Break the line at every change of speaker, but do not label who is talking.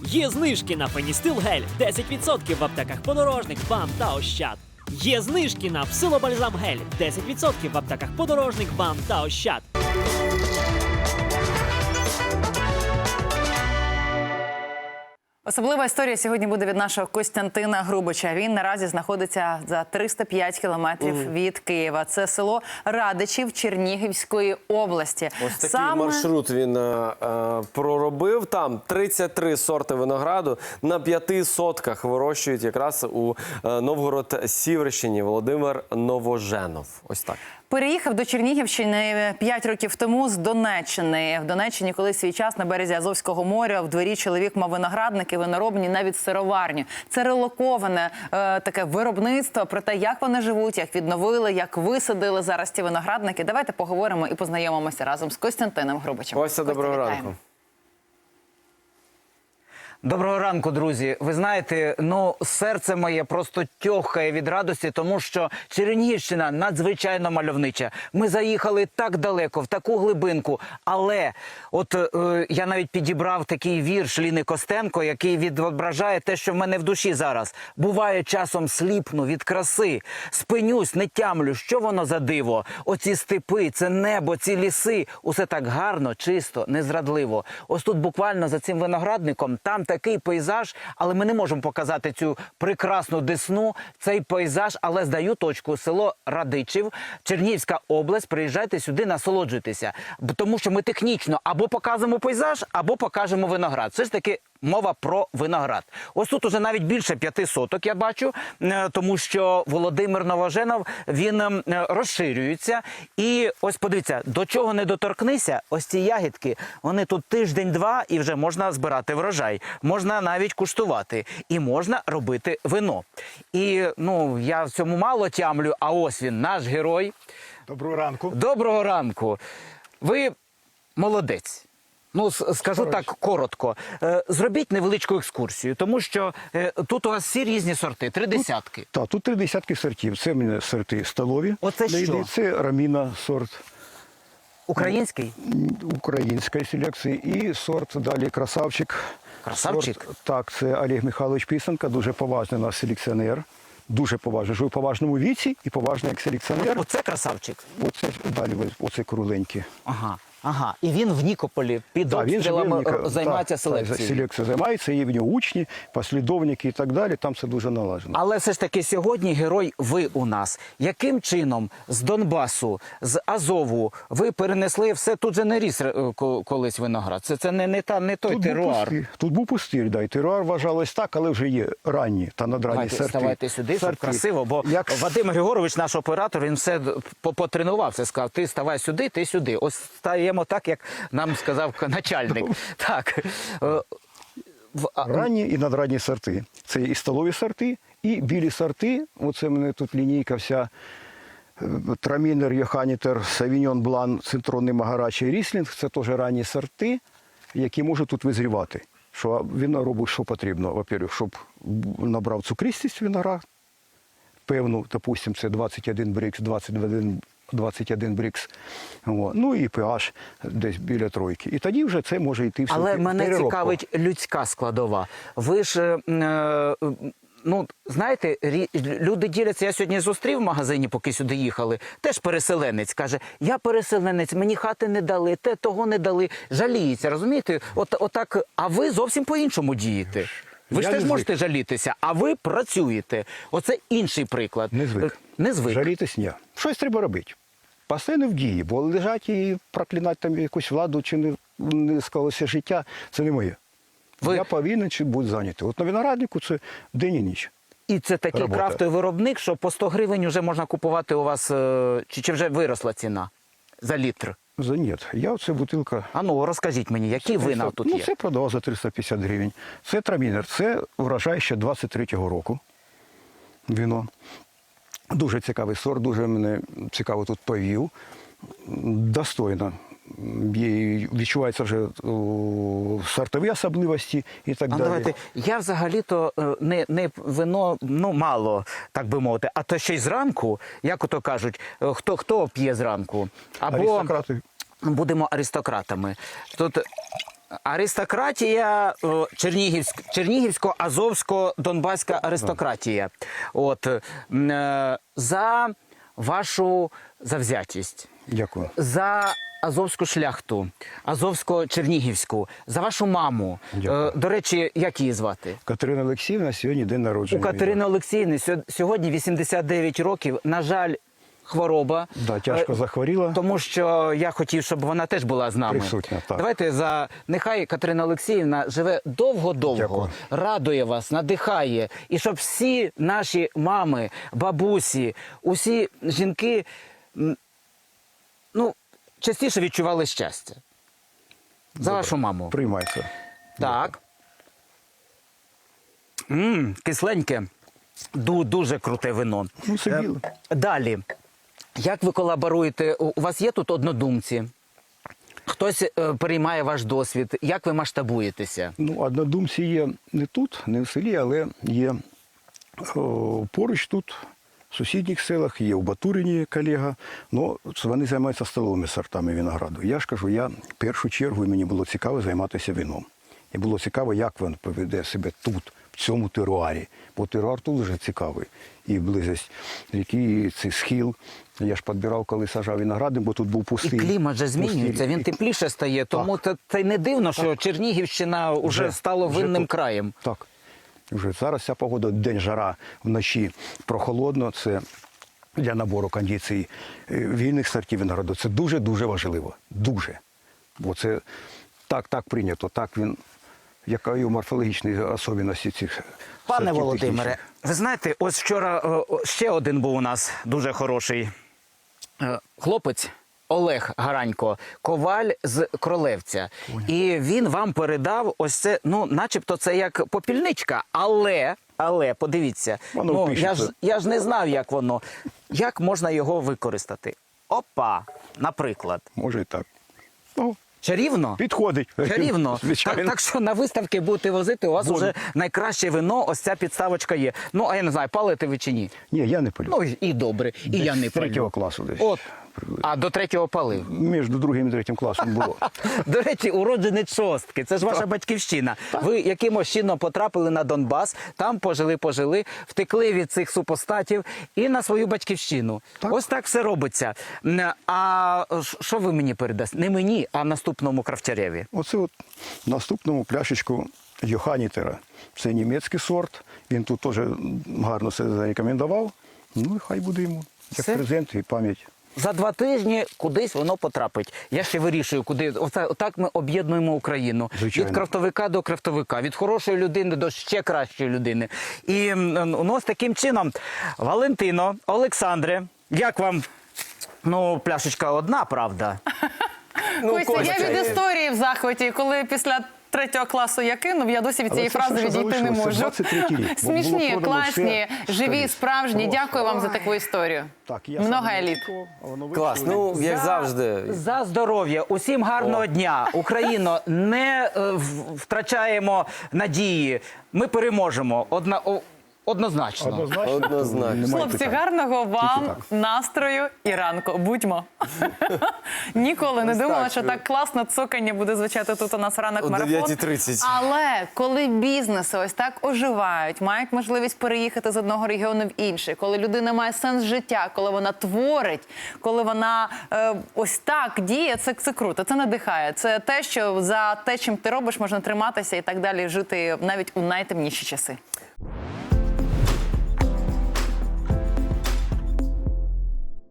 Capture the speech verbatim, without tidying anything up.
Є знижки на Феністил гель десять відсотків в аптеках Подорожник, БАМ та Ощад. Є знижки на Псилобальзам гель десять відсотків в аптеках Подорожник, БАМ та Ощад.
Особлива історія сьогодні буде від нашого Костянтина Грубича. Він наразі знаходиться за триста п'ять кілометрів mm. від Києва. Це село Радичів Чернігівської області.
Ось такий
Саме...
маршрут він е, е, проробив. Там тридцять три сорти винограду на п'яти сотках вирощують якраз у е, Новгород-Сіверщині. Володимир Новоженов. Ось так.
Переїхав до Чернігівщини п'ять років тому з Донеччини. В Донеччині, коли свій час на березі Азовського моря, в дворі чоловік мав виноградники, виноробні, навіть сироварню. Це релоковане е, таке виробництво. Про те, як вони живуть, як відновили, як висадили зараз ці виноградники. Давайте поговоримо і познайомимося разом з Костянтином Грубичем.
Ось, доброго ранку.
Доброго ранку, друзі. Ви знаєте, ну, серце моє просто тьохає від радості, тому що Чернігівщина надзвичайно мальовнича. Ми заїхали так далеко, в таку глибинку, але от е, я навіть підібрав такий вірш Ліни Костенко, який відображає те, що в мене в душі зараз. Буває, часом сліпну від краси, спинюсь, не тямлю, що воно за диво. Оці степи, це небо, ці ліси, усе так гарно, чисто, незрадливо. Ось тут буквально за цим виноградником, там такий пейзаж, але ми не можемо показати цю прекрасну Десну, цей пейзаж, але здаю точку. Село Радичів, Чернігівська область, приїжджайте сюди, насолоджуйтеся. Тому що ми технічно або показуємо пейзаж, або покажемо виноград. Все ж таки мова про виноград. Ось тут уже навіть більше п'яти соток, я бачу, тому що Володимир Новоженов, він розширюється. І ось подивіться, до чого не доторкнися, ось ці ягідки, вони тут тиждень-два і вже можна збирати врожай. Можна навіть куштувати. І можна робити вино. І, ну, я в цьому мало тямлю, а ось він, наш герой.
Доброго ранку.
Доброго ранку. Ви молодець. Ну, скажу так коротко. Зробіть невеличку екскурсію, тому що тут у вас всі різні сорти, три десятки.
Так, тут три десятки сортів. Це в мене сорти столові.
Оце що?
Це Раміна сорт.
Український?
Української селекції. І сорт далі Красавчик.
Красавчик?
Сорт, так, це Олег Михайлович Писанка, дуже поважний наш селекціонер. Дуже поважний. Живе в поважному віці і поважний як селекціонер.
Оце Красавчик?
Оце, далі, оце кругленький.
Ага. Ага, і він в Нікополі під
да,
обстрілами
він
займається
так,
селекцією.
Селекцією займається, є в нього учні, послідовники і так далі, там все дуже налажено.
Але все ж таки сьогодні герой ви у нас. Яким чином з Донбасу, з Азову ви перенесли все, тут же не ріс колись виноград, це, це не, не, та, не той
тут
теруар.
Був тут був пустир, да, і теруар вважалось так, але вже є ранні та надранні
Давайте,
сорти.
ставайте сюди, щоб
сорти.
красиво, бо
Як...
Вадим Григорович, наш оператор, він все потренувався, сказав, ти ставай сюди, ти сюди. Ось стаємо так, як нам сказав начальник. Так.
Ранні і надранні сорти. Це і столові сорти, і білі сорти. Оце в мене тут лінійка вся. Трамінер, Йоханітер, Савіньон Блан, Цитронний Магарачий, Ріслінг. Це теж ранні сорти, які можуть тут визрівати. Що він робить, що потрібно. Во-первых, щоб набрав цукристість виноград. Певну, допустимо, це двадцять один брікс, двадцять один двадцять один брікс, ну і pH десь біля тройки. І тоді вже це може йти все.
Але мене цікавить людська складова. Ви ж, е, ну, знаєте, люди діляться, я сьогодні зустрів в магазині, поки сюди їхали, теж переселенець, каже, я переселенець, мені хати не дали, те, того не дали, жаліється, розумієте? От, отак, а ви зовсім по-іншому дієте. Ви ж теж можете жалітися, а ви працюєте. Оце інший приклад.
Не звик.
Не звик.
Жалітись ні. Щось треба робити. Постійно в дії, бо лежать і проклинати там якусь владу, чи не, не склалося життя, це не моє. Ви... Я повинен чи бути зайнятий. От на винограднику це день і ніч.
І це такий
Робота.
крафтовий виробник, що по сто гривень вже можна купувати у вас, чи, чи вже виросла ціна за літр?
За ні. Я оце бутилка.
А ну, розкажіть мені, які вина тут
ну,
є?
Ну, це продавав за триста п'ятдесят гривень. Це Трамінер, це врожай ще двадцять третього року. Вино. Дуже цікавий сорт, дуже мене цікаво тут повів. Достойно. Відчуваються вже о, сортові особливості і так
а
далі.
Давайте, я взагалі-то не, не вино, ну, мало, так би мовити, а то ще й зранку, як ото кажуть, хто, хто п'є зранку? Або
аристократи.
Будемо аристократами. Тут Аристократія о, Чернігівськ, Чернігівсько-Азовсько-Донбаська аристократія. От, м, е, за вашу завзятість,
Дякую.
за азовську шляхту, азовсько-чернігівську, за вашу маму.
Дякую.
Е, До речі, як її звати?
Катерина Олексіївна сьогодні день
У
народження.
Катерини Олексіївни сьо- сьогодні вісімдесят дев'ять років. На жаль, хвороба.
Да, тяжко
Е,
захворіла.
Тому що я хотів, щоб вона теж була з нами.
Присутня, так.
Давайте за нехай Катерина Олексіївна живе довго-довго,
Дякую.
радує вас, надихає, і щоб всі наші мами, бабусі, усі жінки, м, ну, частіше відчували щастя. За вашу маму.
Приймається.
Так. М, кисленьке. Ду- дуже круте вино.
Ну, це
Е,
біле.
Далі. Як ви колаборуєте? У у вас є тут однодумці? Хтось е, переймає ваш досвід? Як ви масштабуєтеся?
Ну, однодумці є не тут, не в селі, але є о, поруч тут, в сусідніх селах, є у Батурині колега. Ну, вони займаються столовими сортами винограду. Я ж кажу, я в першу чергу, мені було цікаво займатися вином. І було цікаво, як він поведе себе тут, в цьому теруарі. Бо теруар тут вже цікавий. І близькість ріки, і цей схил. Я ж підбирав, коли сажав виногради, бо тут був
І
пустий.
клімат же змінюється,
пустий-
він тепліше стає, тому це, це не дивно, що Чернігівщина вже
Вже-
стала
вже
винним
тут.
краєм.
Так. Вже зараз ця погода, день жара, вночі прохолодно. Це для набору кондицій е, вільних сортів винограду. Це дуже-дуже важливо. Дуже. Бо це так, так прийнято, так він, яка і морфологічні особливості цих
Пане
сортів
Володимире,
технічних.
ви знаєте, ось вчора е, о, ще один був у нас дуже хороший е, хлопець. Олег Гаранько, коваль з Кролевця. І він вам передав ось це, ну, начебто це як попільничка, але, але, подивіться,
Воно
ну, я,
пишеться.
ж, я ж не знав, як воно, як можна його використати. Опа, наприклад.
Може і так. Ну,
Чарівно?
підходить.
Чарівно.
Звичайно.
Так, так що на виставки будете возити, у вас
Буду.
вже найкраще вино, ось ця підставочка є. Ну, а я не знаю, палите ви чи ні?
Ні, я не палю.
Ну, і- і добре, і я не
З третього
палю.
класу десь.
От. А до третього палив.
Між другим і третім класом було.
До речі, уродженець шостки. Це ж ваша батьківщина. Ви якимось чином потрапили на Донбас, там пожили-пожили, втекли від цих супостатів і на свою батьківщину.
Так.
Ось так все робиться. М, А ш- що ви мені передасте? Не мені, а наступному крафтяреві.
Оце от наступному пляшечку Йоханітера. Це німецький сорт. Він тут теж гарно себе зарекомендував. Ну і хай буде йому. Як
Все?
презент і пам'ять.
За два тижні кудись воно потрапить. Я ще вирішую, куди. Оце, отак ми об'єднуємо Україну.
Звичайно.
Від крафтовика до крафтовика, від хорошої людини до ще кращої людини. І м, ну, ось таким чином, Валентино, Олександре, як вам? Ну, пляшечка одна, правда?
Ну,
Костя,
Костя,
я від
є-
історії в захваті, коли після третього класу я кинув, я досі від
Але
цієї
це
фрази
все, що
відійти не
залишилося,
можу.
двадцять третій рік. Бо було
Смішні,
продано
класні,
все
живі,
скрізь.
справжні.
Просто.
Дякую вам за таку історію.
Так, я
Много
сам
еліт.
випадково, а воно
Клас,
вийшло.
ну, як
За-
завжди.
За здоров'я. Усім гарного дня. Україно, не е, в- втрачаємо надії. Ми переможемо. Одна, о, однозначно.
Однозначно.
Однозначно.
Немає
Хлопці,
питань.
гарного вам
так.
настрою і ранку. Будьмо. Ніколи не
Ось
думала,
так.
що так класно цокання буде звучати тут у нас ранок
О
марафон.
дев'ятій тридцять.
Але коли бізнеси ось так оживають, мають можливість переїхати з одного регіону в інший, коли людина має сенс життя, коли вона творить, коли вона е, ось так діє, це, це круто, це надихає. Це те, що за те, чим ти робиш, можна триматися і так далі, жити навіть у найтемніші часи.